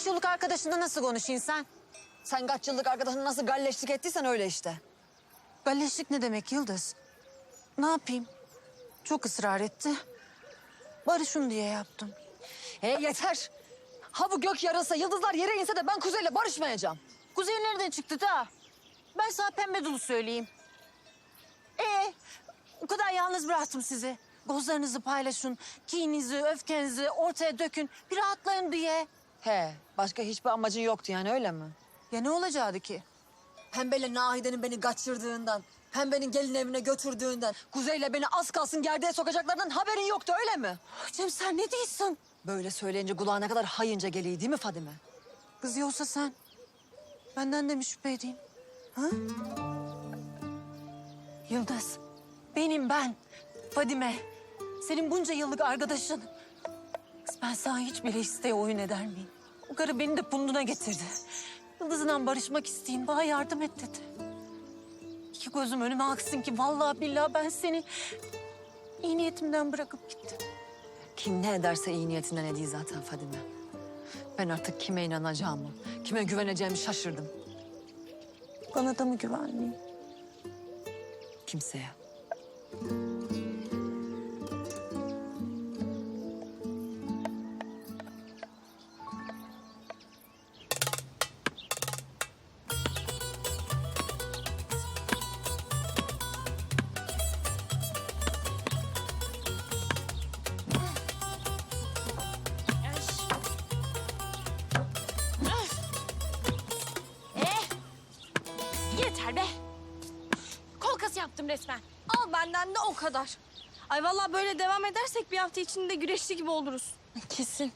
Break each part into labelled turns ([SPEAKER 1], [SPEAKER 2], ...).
[SPEAKER 1] 5 yıllık arkadaşınla nasıl konuşayım sen?
[SPEAKER 2] Sen kaç yıllık arkadaşını nasıl galleşlik ettiysen öyle işte.
[SPEAKER 1] Galleşlik ne demek Yıldız? Ne yapayım? Çok ısrar etti. Barışın diye yaptım.
[SPEAKER 2] Yeter. Ha bu gök yarılsa, yıldızlar yere inse de ben Kuzey'le barışmayacağım.
[SPEAKER 1] Kuzey nereden çıktı da? Ben sana pembe dolu söyleyeyim. O kadar yalnız bıraktım sizi. Gozlarınızı paylaşın, kininizi, öfkenizi ortaya dökün. Bir rahatlayın diye.
[SPEAKER 2] Başka hiçbir amacın yoktu yani öyle mi?
[SPEAKER 1] Ya ne olacaktı ki?
[SPEAKER 2] Pembe'yle Nahide'nin beni kaçırdığından, Pembe'nin gelin evine götürdüğünden, Kuzey'le beni az kalsın gerdeğe sokacaklarından haberin yoktu öyle mi?
[SPEAKER 1] Cem sen ne diyorsun?
[SPEAKER 2] Böyle söyleyince kulağa ne kadar hayınca geliyor değil mi Fadime?
[SPEAKER 1] Kız yoksa sen benden de mi şüphe edeyim? Ha? Yıldız, ben, Fadime. Senin bunca yıllık arkadaşın. Kız ben sana hiç bile isteye oyun eder miyim? O karı beni de punduna getirdi. Yıldız'la barışmak isteyeyim, bana yardım et dedi. İki gözüm önüme aksın ki vallahi billahi ben seni iyi niyetimden bırakıp gittim.
[SPEAKER 2] Kim ne ederse iyi niyetinden ediyor zaten Fadime. Ben artık kime inanacağımı, kime güveneceğimi şaşırdım.
[SPEAKER 1] Bana da mı güvenmeyeyim?
[SPEAKER 2] Kimseye.
[SPEAKER 3] Yeter be. Kol kası yaptım resmen. Al benden de o kadar. Ay vallahi böyle devam edersek bir hafta içinde güreşçi gibi oluruz.
[SPEAKER 1] Kesin.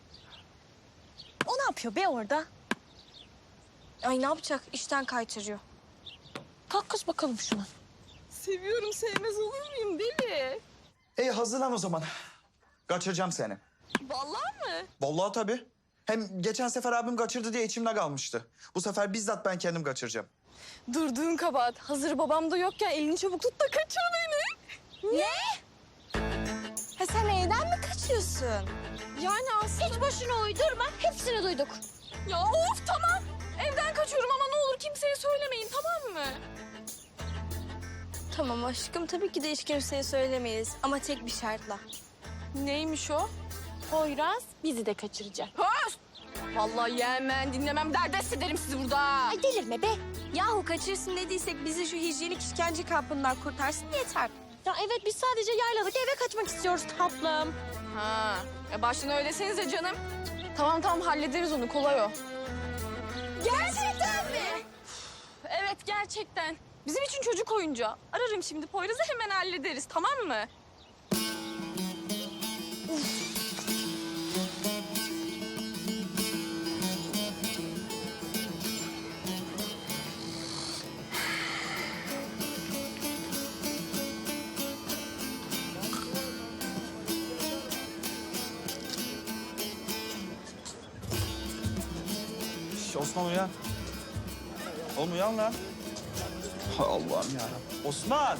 [SPEAKER 3] O ne yapıyor be orada? Ay ne yapacak? İşten kaytarıyor.
[SPEAKER 1] Kalk kız bakalım şuna.
[SPEAKER 3] Seviyorum, sevmez olur muyum deli?
[SPEAKER 4] Hazırlan o zaman. Kaçıracağım seni.
[SPEAKER 3] Vallahi mı?
[SPEAKER 4] Vallahi tabii. Hem geçen sefer abim kaçırdı diye içimde kalmıştı. Bu sefer bizzat ben kendim kaçıracağım.
[SPEAKER 3] Durduğun kabahat. Hazır babam da yokken elini çabuk tut da kaçır beni. Ne? Ha sen evden mi kaçıyorsun? Yani aslında...
[SPEAKER 5] Hiç boşuna uydurma. Hepsini duyduk.
[SPEAKER 3] Ya of tamam. Evden kaçıyorum ama ne olur kimseye söylemeyin tamam mı? Tamam aşkım tabii ki de hiç kimseye söylemeyiz. Ama tek bir şartla. Neymiş o?
[SPEAKER 5] Poyraz bizi de kaçıracak.
[SPEAKER 3] Höst! Vallahi yemem dinlemem derdest ederim sizi burada.
[SPEAKER 5] Ay delirme be.
[SPEAKER 3] Yahu kaçırsın dediysek bizi şu hijyenik işkence kampından kurtarsın yeter.
[SPEAKER 5] Ya evet biz sadece yayladık eve kaçmak istiyoruz tatlım.
[SPEAKER 3] Ha, başına öyle desenize canım. Tamam hallederiz onu kolay o. Gerçekten mi? Evet gerçekten. Bizim için çocuk oyuncağı. Ararım şimdi Poyraz'ı hemen hallederiz tamam mı?
[SPEAKER 4] Osman uyan. Oğlum uyan lan. Hay Allah'ım yarabbim. Osman!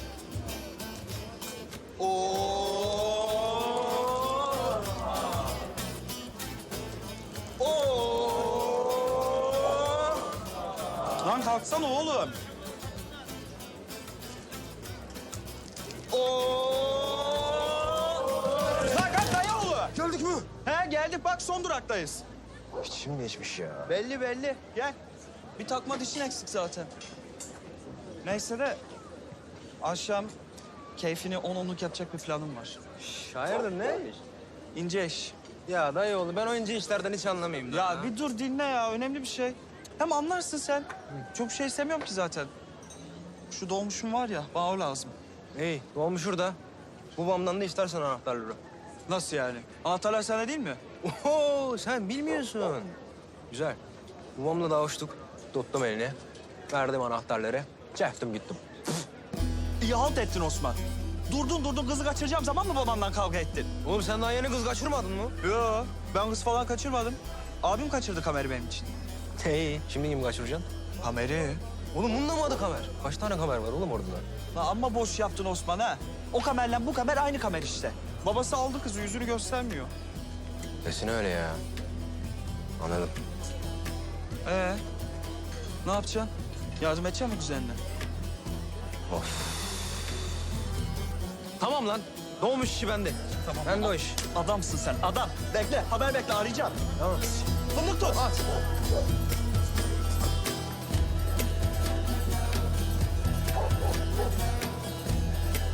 [SPEAKER 4] Lan kalksana oğlum. Lan kalk dayıoğlu.
[SPEAKER 6] Geldik mi?
[SPEAKER 4] He geldik bak son duraktayız.
[SPEAKER 6] İçim geçmiş ya.
[SPEAKER 4] Belli. Gel. Bir takma dişin eksik zaten. Neyse de akşam keyfini onluk yapacak bir planım var.
[SPEAKER 6] Hayırdır ne?
[SPEAKER 4] İnce iş.
[SPEAKER 6] Ya dayıoğlu ben oyuncu işlerden hiç anlamayayım.
[SPEAKER 4] Ya bir dur dinle ya önemli bir şey. Hem anlarsın sen. Çok bir şey istemiyorum ki zaten. Şu dolmuşum var ya bana o lazım.
[SPEAKER 6] İyi dolmuş şurada. Babamdan da istersen anahtarları.
[SPEAKER 4] Nasıl yani? Anahtarlar sana değil mi?
[SPEAKER 6] Oho sen bilmiyorsun. Güzel. Babamla da hoştuk. Tuttum elini. Verdim anahtarları. Çektim gittim.
[SPEAKER 4] İyi halt ettin Osman. Durdun kızı kaçıracağım zaman mı babandan kavga ettin?
[SPEAKER 6] Oğlum sen daha yeni kız kaçırmadın mı?
[SPEAKER 4] Yo ben kız falan kaçırmadım. Abim kaçırdı Kamer'i benim için.
[SPEAKER 6] İyi. Şimdi kimi kaçıracaksın?
[SPEAKER 4] Kamer'i?
[SPEAKER 6] Oğlum bunda mı adı kamer? Kaç tane kamer var oğlum orada?
[SPEAKER 4] Lan amma boş yaptın Osman ha. O kamerle bu kamer aynı kamer işte. Babası aldı kızı yüzünü göstermiyor.
[SPEAKER 6] Desin öyle ya. Anladım.
[SPEAKER 4] Ne yapacaksın? Yardım edecek misin kuzenine?
[SPEAKER 6] Tamam lan. Doğmuş işi bende.
[SPEAKER 4] Tamam.
[SPEAKER 6] Ben de o iş.
[SPEAKER 4] Adamsın sen, adam. Bekle, haber bekle, arayacağım.
[SPEAKER 6] Tamam.
[SPEAKER 4] Fındık tut.
[SPEAKER 6] At.